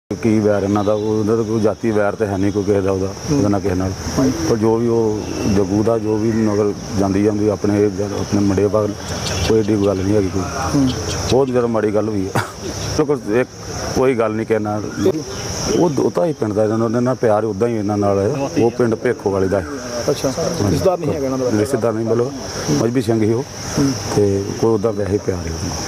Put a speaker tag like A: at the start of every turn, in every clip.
A: ਕੀ ਵੈਰ ਇਹਨਾਂ ਦਾ ਉਹਦਾ ਤਾਂ ਕੋਈ ਜਾਤੀ ਵੈਰ ਤੇ ਹੈ ਨਹੀਂ ਕੋਈ ਕਿਸੇ ਦਾ ਉਹਦਾ ਨਾ ਕਿਸੇ ਨਾਲ। ਪਰ ਜੋ ਵੀ ਉਹ ਜੱਗੂ ਦਾ ਜੋ ਵੀ ਨਗਰ ਜਾਂਦੀ ਆਪਣੇ ਮੁੰਡੇ ਬਾਗ ਕੋਈ ਏਡੀ ਗੱਲ ਨਹੀਂ ਹੈਗੀ। ਕੋਈ ਬਹੁਤ ਜ਼ਿਆਦਾ ਮਾੜੀ ਗੱਲ ਹੋਈ ਹੈ। ਇੱਕ ਕੋਈ ਗੱਲ ਨਹੀਂ ਕਿਸੇ ਨਾਲ। ਉਹ ਤਾਂ ਹੀ ਪਿੰਡ ਦਾ ਇਹਨਾਂ ਨਾਲ ਪਿਆਰ ਉੱਦਾਂ ਹੀ ਇਹਨਾਂ ਨਾਲ ਹੈ। ਉਹ ਪਿੰਡ ਭੇਖੋ ਵਾਲੇ ਦਾ।
B: ਅੱਛਾ, ਰਿਸ਼ਤੇਦਾਰ ਨਹੀਂ ਹੈਗਾ ਇਹਨਾਂ ਦਾ?
A: ਰਿਸ਼ਤੇਦਾਰ ਨਹੀਂ, ਮਤਲਬ ਮਜ਼ਬੀ ਸਿੰਘ ਹੀ ਉਹ, ਤੇ ਕੋਈ ਉੱਦਾਂ ਵੈਸੇ ਪਿਆਰ ਹੈ ਉਹਨੂੰ।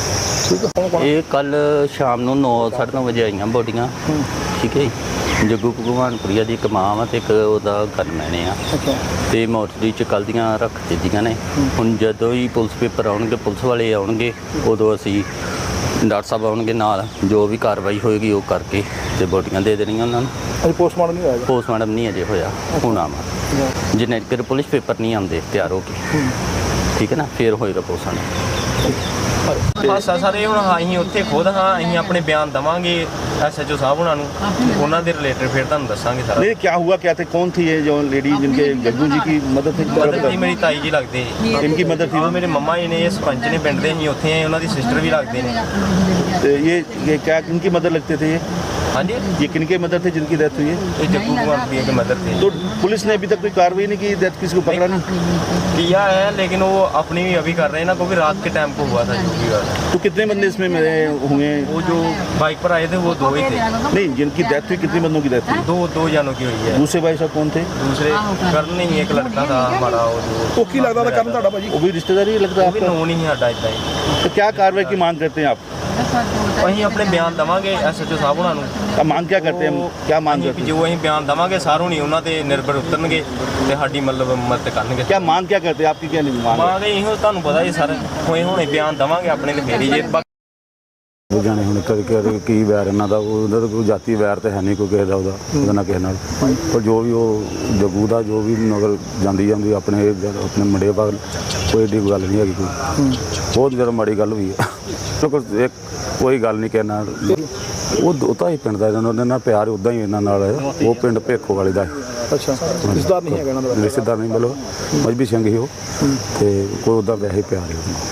C: ਇਹ ਕੱਲ ਸ਼ਾਮ ਨੂੰ 9:30 ਵਜੇ ਆਈਆਂ ਬੋਡੀਆਂ। ਠੀਕ ਹੈ ਜੀ। ਜੱਗੂ ਭਗਵਾਨਪੁਰੀਆ ਦੀ ਇੱਕ ਮਾਂ ਵਾ ਤੇ ਇੱਕ ਉਹਦਾ ਗਨਮੈਨ ਆ। ਤੇ ਮੋਰਚਰੀ ਚ ਕੱਲ੍ਹ ਦੀਆਂ ਰੱਖ ਦਿੱਤੀਆਂ ਨੇ। ਹੁਣ ਜਦੋਂ ਹੀ ਪੁਲਿਸ ਪੇਪਰ ਆਉਣਗੇ, ਪੁਲਿਸ ਵਾਲੇ ਆਉਣਗੇ, ਉਦੋਂ ਅਸੀਂ ਡਾਕਟਰ ਸਾਹਿਬ ਆਉਣਗੇ ਨਾਲ, ਜੋ ਵੀ ਕਾਰਵਾਈ ਹੋਏਗੀ ਉਹ ਕਰਕੇ ਤੇ ਬੋਡੀਆਂ ਦੇ ਦੇਣੀਆਂ ਉਹਨਾਂ ਨੂੰ।
B: ਅਜੇ ਪੋਸਟਮਾਰਟਮ ਨਹੀਂ ਹੋਇਆ?
C: ਪੋਸਟਮਾਰਟਮ ਨਹੀਂ ਅਜੇ ਹੋਇਆ, ਹੁਣ ਆਵਾਂ ਜਿੰਨੇ ਚਿਰ ਪੁਲਿਸ ਪੇਪਰ ਨਹੀਂ ਆਉਂਦੇ ਤਿਆਰ ਹੋ ਕੇ। ਠੀਕ ਹੈ ਨਾ, ਫਿਰ ਹੋਏਗਾ ਪੋਸਟਮਾਰਟਮ।
D: ਹਾਸਾ ਸਰ ਇਹ ਹੁਣ ਅਸੀਂ ਉੱਥੇ ਖੁਦ ਹਾਂ, ਅਸੀਂ ਆਪਣੇ ਬਿਆਨ ਦੇਵਾਂਗੇ SHO साहब ਉਹਨਾਂ ਨੂੰ, ਉਹਨਾਂ ਦੇ ਰਿਲੇਟਡ ਫਿਰ ਤੁਹਾਨੂੰ ਦੱਸਾਂਗੇ ਸਾਰਾ।
E: नहीं, क्या हुआ क्या थे? कौन थी ये जो लेडी जिनके जग्गू जी की मदद थी?
D: ਮਦਰ ਜੀ ਮੇਰੀ ਤਾਈ ਜੀ ਲੱਗਦੇ ਜੀ।
E: इनकी मदद थी?
D: ਉਹ ਮੇਰੇ ਮੰਮਾ ਜੀ ਨੇ, ਇਹ ਸਰਪੰਚ ਨੇ ਪਿੰਡ ਦੇ, ਅਸੀਂ ਉੱਥੇ ਆਏ, ਉਹਨਾਂ ਦੀ ਸਿਸਟਰ ਵੀ ਲੱਗਦੇ ਨੇ।
E: तो ये क्या किनकी मदद लगते थे?
D: ਹਾਂਜੀ,
E: ये किनके मदद थे जिनकी डेथ हुई है?
D: ਇਹ जग्गू भगवानपुरिया के मदर थे।
E: तो पुलिस ने अभी तक कोई कार्रवाई नहीं की? डेथ किसी को पकड़ा नहीं?
D: किया है, लेकिन वो अपनी भी अभी कर रहे हैं ना, क्योंकि रात के टाइम को हुआ था जो भी हुआ था।
E: तो कितने बंदे इसमें मरे हुए?
D: वो जो बाइक पर आए थे वो 2 ही थे।
E: नहीं, जिनकी डेथ हुई कितने बंदों की डेथ हुई?
D: दो जानों की हुई है।
E: दूसरे भाई साहब कौन थे?
D: दूसरे करण नहीं, एक लड़का था हमारा, वो जो
B: ਉਹ ਕੀ ਲੱਗਦਾ ਕਰਨ ਤੁਹਾਡਾ ਭਾਜੀ?
E: वो भी रिश्तेदार ही लगता है
D: वो भी
E: आपका?
D: नोन ही है इतना ही।
E: तो क्या कार्रवाई की मांग करते हैं आप?
D: ਅਸੀਂ ਆਪਣੇ ਬਿਆਨ ਦੇਵਾਂਗੇ SHO ਸਾਹਿਬ ਉਹਨਾਂ ਨੂੰ।
E: क्या मांग क्या करते हैं? क्या मांग
D: ਅਸੀਂ
E: करते हैं?
D: ਜੋ ਅਸੀਂ ਬਿਆਨ ਦੇਵਾਂਗੇ ਸਾਰੋਂ ਨਹੀਂ ਉਹਨਾਂ ਤੇ ਨਿਰਭਰ ਉਤਰਨਗੇ ਤੇ ਸਾਡੀ ਮਤਲਬ ਮਦਦ ਕਰਨਗੇ।
E: क्या मांग क्या करते हैं? आपकी क्या नहीं मांग है?
D: ਮਾਂ ਦੇ ਇਹੋ ਤੁਹਾਨੂੰ ਪਤਾ ਹੀ ਸਰ, ਹੋਏ ਹੁਣੇ ਬਿਆਨ ਦੇਵਾਂਗੇ ਆਪਣੇ ਤੇ ਫੇਰ ਹੀ ਜੇ
A: ਜਾਣੇ ਹੁਣ ਕਰਕੇ ਕੀ ਵੈਰ ਇਹਨਾਂ ਦਾ ਉਹਦਾ ਤਾਂ ਕੋਈ ਜਾਤੀ ਵੈਰ ਤੇ ਹੈ ਨਹੀਂ ਕੋਈ ਕਿਸੇ ਦਾ ਉਹਦਾ ਨਾ ਕਿਸੇ ਨਾਲ। ਪਰ ਜੋ ਵੀ ਉਹ ਜੱਗੂ ਦਾ ਜੋ ਵੀ ਨਗਰ ਜਾਂਦੀ ਆਪਣੇ ਮੁੰਡੇ ਬਾਗ ਕੋਈ ਏਡੀ ਗੱਲ ਨਹੀਂ ਹੈਗੀ। ਕੋਈ ਬਹੁਤ ਜ਼ਿਆਦਾ ਮਾੜੀ ਗੱਲ ਹੋਈ ਹੈ। ਇੱਕ ਕੋਈ ਗੱਲ ਨਹੀਂ ਕਿਸੇ ਨਾਲ। ਉਹ ਤਾਂ ਹੀ ਪਿੰਡ ਦਾ ਇਹਨਾਂ ਨਾਲ ਪਿਆਰ ਉੱਦਾਂ ਹੀ ਇਹਨਾਂ ਨਾਲ ਹੈ। ਉਹ ਪਿੰਡ ਭੇਖੋ ਵਾਲੇ ਦਾ।
B: ਅੱਛਾ, ਰਿਸ਼ਤੇਦਾਰ ਨਹੀਂ ਹੈਗਾ ਇਹਨਾਂ ਦਾ?
A: ਰਿਸ਼ਤੇਦਾਰ ਨਹੀਂ, ਮਤਲਬ ਮਜ਼ਬੀ ਸਿੰਘ ਹੀ ਉਹ, ਤੇ ਕੋਈ ਉੱਦਾਂ ਵੈਸੇ ਪਿਆਰ ਹੈ ਉਹਨੂੰ।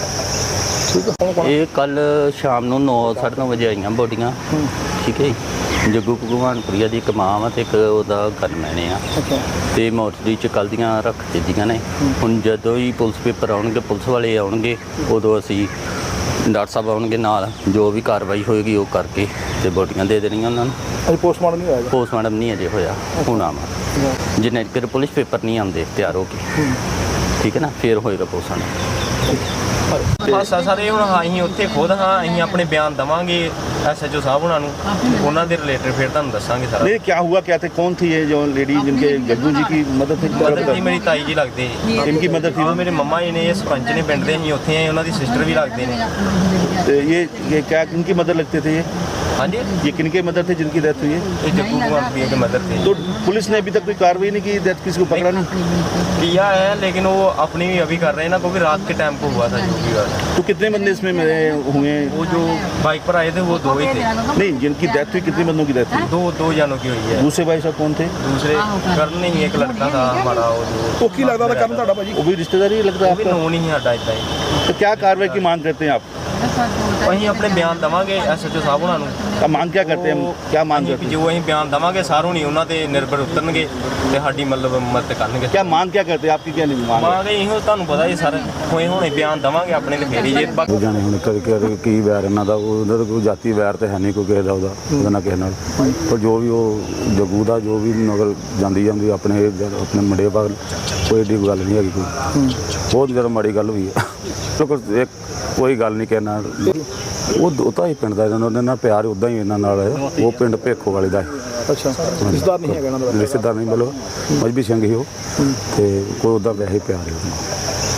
C: ਇਹ ਕੱਲ ਸ਼ਾਮ ਨੂੰ 9:30 ਵਜੇ ਆਈਆਂ ਬੋਡੀਆਂ। ਠੀਕ ਹੈ ਜੀ। ਜੱਗੂ ਭਗਵਾਨਪੁਰੀਆ ਦੀ ਇੱਕ ਮਾਂ ਵਾ ਤੇ ਇੱਕ ਉਹਦਾ ਗਨਮੈਨ ਆ। ਤੇ ਮੋਰਚਰੀ ਚ ਕੱਲ੍ਹ ਦੀਆਂ ਰੱਖ ਦਿੱਤੀਆਂ ਨੇ। ਹੁਣ ਜਦੋਂ ਹੀ ਪੁਲਿਸ ਪੇਪਰ ਆਉਣਗੇ, ਪੁਲਿਸ ਵਾਲੇ ਆਉਣਗੇ, ਉਦੋਂ ਅਸੀਂ ਡਾਕਟਰ ਸਾਹਿਬ ਆਉਣਗੇ ਨਾਲ, ਜੋ ਵੀ ਕਾਰਵਾਈ ਹੋਏਗੀ ਉਹ ਕਰਕੇ ਤੇ ਬੋਡੀਆਂ ਦੇ ਦੇਣੀਆਂ ਉਹਨਾਂ ਨੂੰ।
B: ਅਜੇ ਪੋਸਟਮਾਰਟਮ ਨਹੀਂ ਹੋਇਆ?
C: ਪੋਸਟਮਾਰਟਮ ਨਹੀਂ ਅਜੇ ਹੋਇਆ, ਹੁਣ ਆਵਾਂ ਜਿੰਨੇ ਚਿਰ ਪੁਲਿਸ ਪੇਪਰ ਨਹੀਂ ਆਉਂਦੇ ਤਿਆਰ ਹੋ ਕੇ। ਠੀਕ ਹੈ ਨਾ, ਫਿਰ ਹੋਏਗਾ ਪੋਸਟਮਾਰਟਮ।
D: ਹਾਸਾ ਸਰ ਇਹ ਹੁਣ ਅਸੀਂ ਉੱਥੇ ਖੁਦ ਹਾਂ, ਅਸੀਂ ਆਪਣੇ ਬਿਆਨ ਦੇਵਾਂਗੇ SHO ਸਾਹਿਬ ਉਹਨਾਂ ਨੂੰ, ਉਹਨਾਂ ਦੇ ਰਿਲੇਟਡ ਫਿਰ ਤੁਹਾਨੂੰ ਦੱਸਾਂਗੇ ਸਾਰਾ।
E: नहीं, क्या हुआ क्या थे? कौन थी ये जो लेडी जिनके जग्गू जी की मदद थी?
D: ਮਦਰ ਜੀ ਮੇਰੀ ਤਾਈ ਜੀ ਲੱਗਦੇ ਜੀ।
E: इनकी मदद थी?
D: ਉਹ ਮੇਰੇ ਮੰਮਾ ਜੀ ਨੇ, ਇਹ ਸਰਪੰਚ ਨੇ ਪਿੰਡ ਦੇ, ਅਸੀਂ ਉੱਥੇ ਆਏ, ਉਹਨਾਂ ਦੀ ਸਿਸਟਰ ਵੀ ਲੱਗਦੇ ਨੇ।
E: तो ये क्या किनकी मदद लगते थे?
D: ਹਾਂਜੀ,
E: ये किनके मदद थे जिनकी डेथ हुई है?
D: ਇਹ जग्गू भगवानपुरिया के मदर थे।
E: तो पुलिस ने अभी तक कोई कार्रवाई नहीं की? डेथ किसी को पकड़ा नहीं?
D: किया है, लेकिन वो अपनी भी अभी कर रहे हैं ना, क्योंकि रात के टाइम को हुआ था जो भी हुआ था।
E: तो कितने बंदे इसमें मरे हुए?
D: वो जो बाइक पर आए थे वो 2 ही थे।
E: नहीं, जिनकी डेथ हुई कितने बंदों की डेथ हुई?
D: दो जानों की हुई है।
E: दूसरे भाई साहब कौन थे?
D: दूसरे करण नहीं, एक लड़का था हमारा, वो जो
B: ਉਹ ਕੀ ਲੱਗਦਾ ਕਰਨ ਤੁਹਾਡਾ ਭਾਜੀ?
E: वो भी रिश्तेदार ही लगता है
D: वो भी
E: आपका?
D: नोन ही है इतना ही।
E: तो क्या कार्रवाई की मांग करते हैं आप?
D: ਅਸੀਂ ਆਪਣੇ ਬਿਆਨ ਦੇਵਾਂਗੇ SHO ਸਾਹਿਬ ਉਹਨਾਂ ਨੂੰ।
E: क्या मांग क्या करते हैं? क्या मांग करते हैं?
D: ਜੋ ਅਸੀਂ ਬਿਆਨ ਦੇਵਾਂਗੇ ਸਾਰੋਂ ਨਹੀਂ ਉਹਨਾਂ ਤੇ ਨਿਰਭਰ ਉਤਰਨਗੇ ਤੇ ਸਾਡੀ ਮਤਲਬ ਮਦਦ ਕਰਨਗੇ।
E: क्या मांग क्या करते हैं? आपकी क्या नहीं मांग है?
D: ਮਾਂ ਦੇ ਇਹੋ ਤੁਹਾਨੂੰ ਪਤਾ ਹੀ ਸਰ, ਹੋਏ ਹੁਣੇ ਬਿਆਨ ਦੇਵਾਂਗੇ ਆਪਣੇ ਤੇ ਫੇਰ ਹੀ ਜੇ
A: ਜਾਣੇ ਹੁਣ ਕਰਕੇ ਕੀ ਵੈਰ ਇਹਨਾਂ ਦਾ ਉਹਦਾ ਤਾਂ ਕੋਈ ਜਾਤੀ ਵੈਰ ਤੇ ਹੈ ਨਹੀਂ ਕੋਈ ਕਿਸੇ ਦਾ ਉਹਦਾ ਨਾ ਕਿਸੇ ਨਾਲ। ਪਰ ਜੋ ਵੀ ਉਹ ਜੱਗੂ ਦਾ ਜੋ ਵੀ ਨਗਰ ਜਾਂਦੀ ਆਪਣੇ ਮੁੰਡੇ ਬਾਗ ਕੋਈ ਏਡੀ ਗੱਲ ਨਹੀਂ ਹੈਗੀ। ਕੋਈ ਬਹੁਤ ਜ਼ਿਆਦਾ ਮਾੜੀ ਗੱਲ ਹੋਈ ਹੈ। ਇੱਕ ਕੋਈ ਗੱਲ ਨਹੀਂ ਕਿਸੇ ਨਾਲ। ਉਹ ਤਾਂ ਹੀ ਪਿੰਡ ਦਾ ਇਹਨਾਂ ਨਾਲ ਪਿਆਰ ਉੱਦਾਂ ਹੀ ਇਹਨਾਂ ਨਾਲ ਹੈ। ਉਹ ਪਿੰਡ ਭੇਖੋ ਵਾਲੇ ਦਾ।
B: ਅੱਛਾ, ਰਿਸ਼ਤੇਦਾਰ ਨਹੀਂ ਹੈਗਾ ਇਹਨਾਂ ਦਾ?
A: ਰਿਸ਼ਤੇਦਾਰ ਨਹੀਂ, ਮਤਲਬ ਮਜ਼ਬੀ ਸਿੰਘ ਹੀ ਉਹ, ਤੇ ਕੋਈ ਉੱਦਾਂ ਵੈਸੇ ਪਿਆਰ ਹੈ ਉਹਨੂੰ।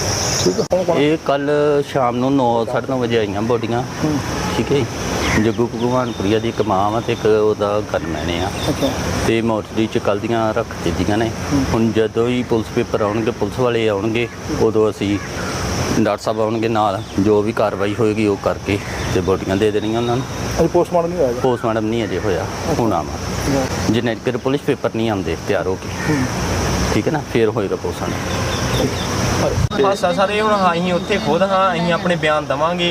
C: ਇਹ ਕੱਲ ਸ਼ਾਮ ਨੂੰ 9:30 ਵਜੇ ਆਈਆਂ ਬੋਡੀਆਂ। ਠੀਕ ਹੈ ਜੀ। ਜੱਗੂ ਭਗਵਾਨਪੁਰੀਆ ਦੀ ਇੱਕ ਮਾਂ ਵਾ ਤੇ ਇੱਕ ਉਹਦਾ ਗਨਮੈਨ ਆ। ਤੇ ਮੋਰਚਰੀ ਚ ਕੱਲ੍ਹ ਦੀਆਂ ਰੱਖ ਦਿੱਤੀਆਂ ਨੇ। ਹੁਣ ਜਦੋਂ ਹੀ ਪੁਲਿਸ ਪੇਪਰ ਆਉਣਗੇ, ਪੁਲਿਸ ਵਾਲੇ ਆਉਣਗੇ, ਉਦੋਂ ਅਸੀਂ ਡਾਕਟਰ ਸਾਹਿਬ ਆਉਣਗੇ ਨਾਲ, ਜੋ ਵੀ ਕਾਰਵਾਈ ਹੋਏਗੀ ਉਹ ਕਰਕੇ ਤੇ ਬੋਡੀਆਂ ਦੇ ਦੇਣੀਆਂ ਉਹਨਾਂ ਨੂੰ।
B: ਅਜੇ ਪੋਸਟਮਾਰਟਮ ਨਹੀਂ ਹੋਇਆ?
C: ਪੋਸਟਮਾਰਟਮ ਨਹੀਂ ਅਜੇ ਹੋਇਆ, ਹੁਣ ਆਵਾਂ ਜਿੰਨੇ ਚਿਰ ਪੁਲਿਸ ਪੇਪਰ ਨਹੀਂ ਆਉਂਦੇ ਤਿਆਰ ਹੋ ਕੇ। ਠੀਕ ਹੈ ਨਾ, ਫਿਰ ਹੋਏਗਾ ਪੋਸਟਮਾਰਟਮ।
D: ਹਾਸਾ ਸਰ ਇਹ ਹੁਣ ਅਸੀਂ ਉੱਥੇ ਖੁਦ ਹਾਂ, ਅਸੀਂ ਆਪਣੇ ਬਿਆਨ ਦੇਵਾਂਗੇ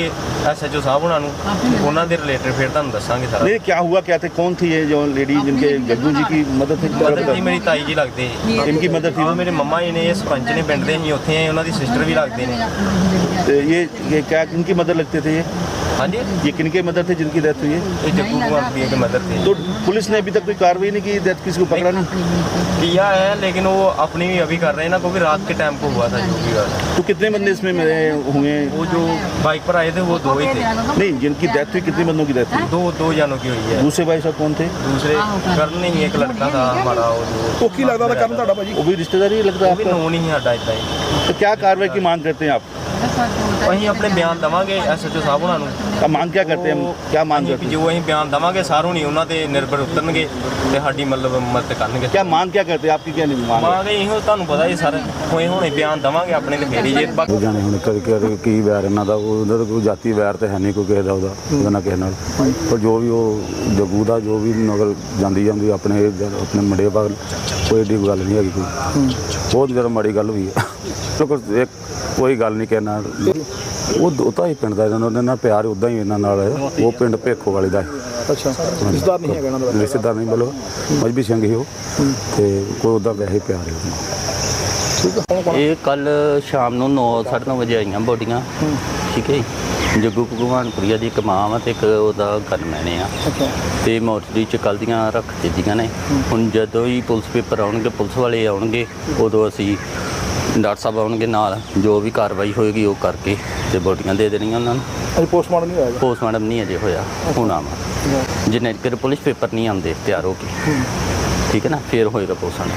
D: ਐਸਐਚਓ ਸਾਹਿਬ ਉਹਨਾਂ ਨੂੰ ਉਹਨਾਂ ਦੇ ਰਿਲੇਟਡ ਫਿਰ ਤੁਹਾਨੂੰ ਦੱਸਾਂਗੇ ਸਾਰਾ
E: नहीं क्या हुआ क्या थे कौन थी ये जो लेडी जिनके जग्गू जी की मदद थी
D: ਮਦਰ ਜੀ ਮੇਰੀ ਤਾਈ ਜੀ ਲੱਗਦੇ
E: इनकी मदद थी
D: ਹਾਂ ਮੇਰੇ ਮੰਮਾ ਜੀ ਨੇ ਇਹ ਸਰਪੰਚ ਨੇ ਪਿੰਡ ਦੇ ਅਸੀਂ ਉੱਥੇ ਆਏ ਉਹਨਾਂ ਦੀ ਸਿਸਟਰ ਵੀ ਲੱਗਦੇ ਨੇ
E: तो ये क्या किनकी मदद लगते थे
D: ਹਾਂਜੀ
E: ये किनके मदद थे जिनकी डेथ हुई है
D: ਇਹ जग्गू कुमार प्रिया के मदर थे
E: तो पुलिस ने अभी तक कोई कार्रवाई नहीं की डेथ किसी को पकड़ा नहीं
D: किया है लेकिन वो अपनी भी अभी कर रहे हैं ना क्योंकि रात के टाइम को हुआ था जो भी हुआ था।
E: तो कितने बंदे इसमें मरे हुए
D: वो जो बाइक पर आए थे वो दो ही थे
E: नहीं जिनकी डेथ हुई कितने बंदों की डेथ हुई
D: दो जानों की हुई है
E: दूसरे भाई साहब कौन थे
D: दूसरे करण नहीं एक लड़का था हमारा वो जो
B: ਉਹ ਕੀ ਲੱਗਦਾ ਦਾ ਕਰਨ ਤੁਹਾਡਾ ਭਾਜੀ
E: वो भी रिश्तेदार ही लगता
D: वो
E: है
D: भी
E: आपका
D: नोन ही है साडा इतना ही
E: तो क्या कार्रवाई की मांग करते हैं आप
D: ਅਸੀਂ ਆਪਣੇ ਬਿਆਨ ਦਵਾਂਗੇ ਐਸਐਚਓ ਸਾਹਿਬ ਉਹਨਾਂ ਨੂੰ
E: क्या मांग क्या करते हैं क्या मांग
D: ਅਸੀਂ
E: करते
D: ਵੀ
E: हैं
D: ਜੋ ਅਸੀਂ ਬਿਆਨ ਦਵਾਂਗੇ ਸਾਰੋਂ ਨਹੀਂ ਉਹਨਾਂ ਤੇ ਨਿਰਭਰ ਉਤਰਨਗੇ ਤੇ ਸਾਡੀ ਮਤਲਬ ਮਦਦ ਕਰਨਗੇ
E: क्या मांग क्या करते हैं आपकी क्या नहीं मांग है?
D: ਮਾਂਗੇ ਇਹੋ ਤੁਹਾਨੂੰ ਪਤਾ ਹੀ ਸਰ ਹੋਏ ਹੁਣੇ ਬਿਆਨ ਦਵਾਂਗੇ ਆਪਣੇ ਤੇ ਫੇਰੀ ਜੇ ਬਾਕੀ
A: ਉਹ ਜਾਣੇ ਹੁਣ ਕਦੇ ਕੀ ਵੈਰ ਇਹਨਾਂ ਦਾ ਉਹਦਾ ਤਾਂ ਕੋਈ ਜਾਤੀ ਵੈਰ ਤੇ ਹੈ ਨਹੀਂ ਕੋਈ ਕਿਸੇ ਦਾ ਉਹਦਾ ਨਾ ਕਿਸੇ ਨਾਲ ਪਰ ਜੋ ਵੀ ਉਹ ਜਗੂ ਦਾ ਜੋ ਵੀ ਨਗਰ ਜਾਂਦੀ ਆਪਣੇ ਮੁੰਡੇ ਬਾਗ ਕੋਈ ਏਡੀ ਗੱਲ ਨਹੀਂ ਹੈਗੀ ਕੋਈ ਬਹੁਤ ਜ਼ਿਆਦਾ ਮਾੜੀ ਗੱਲ ਹੋਈ ਹੈ ਚਲੋ ਇੱਕ ਕੋਈ ਗੱਲ ਨਹੀਂ ਕਹਿਣਾ ਉਹ ਤਾਂ ਹੀ ਪਿੰਡ ਦਾ ਇਹਨਾਂ ਨਾਲ ਪਿਆਰ ਉਦਾਂ ਹੀ ਇਹਨਾਂ ਨਾਲ ਹੈ। ਉਹ ਪਿੰਡ ਭੇਖੋ ਵਾਲੇ ਦਾ ਹੈ।
B: ਅੱਛਾ ਰਿਸ਼ਤੇਦਾਰ ਨਹੀਂ ਹੈਗਾ ਇਹਨਾਂ ਦਾ
A: ਰਿਸ਼ਤੇਦਾਰ ਨਹੀਂ ਬੋਲੋ ਮਜਬੀ ਸਿੰਘ ਹੀ ਉਹ ਤੇ ਕੋਈ ਉਹਦਾ ਵੈਸੇ ਪਿਆਰ ਹੈ ਉਹਨੂੰ।
B: ਠੀਕ ਹੈ ਹੁਣ ਕੋਣ
C: ਇਹ ਕੱਲ ਸ਼ਾਮ ਨੂੰ 9:30 ਵਜੇ ਆਈਆਂ ਬੋਡੀਆਂ ਠੀਕ ਹੈ ਜੀ। ਜੱਗੂ ਭਗਵਾਨਪੁਰੀਆ ਦੀ ਇੱਕ ਮਾਂ ਵਾ ਤੇ ਇੱਕ ਉਹਦਾ ਗਨਮੈਨ ਆ
B: ਅੱਛਾ
C: ਤੇ ਮੋਰਚਰੀ ਚ ਕੱਲ੍ਹ ਦੀਆਂ ਰੱਖ ਦਿੱਤੀਆਂ ਨੇ। ਹੁਣ ਜਦੋਂ ਹੀ ਪੁਲਿਸ ਪੇਪਰ ਆਉਣਗੇ ਪੁਲਿਸ ਵਾਲੇ ਆਉਣਗੇ ਉਦੋਂ ਅਸੀਂ ਡਾਕਟਰ ਸਾਹਿਬ ਆਉਣਗੇ ਨਾਲ ਜੋ ਵੀ ਕਾਰਵਾਈ ਹੋਏਗੀ ਉਹ ਕਰਕੇ ਤੇ ਬੋਡੀਆਂ ਦੇ ਦੇਣੀਆਂ ਉਹਨਾਂ ਨੂੰ।
B: ਅਜੇ ਪੋਸਟਮਾਰਟਮ ਨਹੀਂ ਹੋਇਆ
C: ਪੋਸਟਮਾਰਟਮ ਨਹੀਂ ਅਜੇ ਹੋਇਆ ਹੁਣ ਆਵਾਂ ਜਿੰਨੇ ਚਿਰ ਪੁਲਿਸ ਪੇਪਰ ਨਹੀਂ ਆਉਂਦੇ ਤਿਆਰ ਹੋ ਕੇ ਠੀਕ ਹੈ ਨਾ ਫਿਰ ਹੋਏਗਾ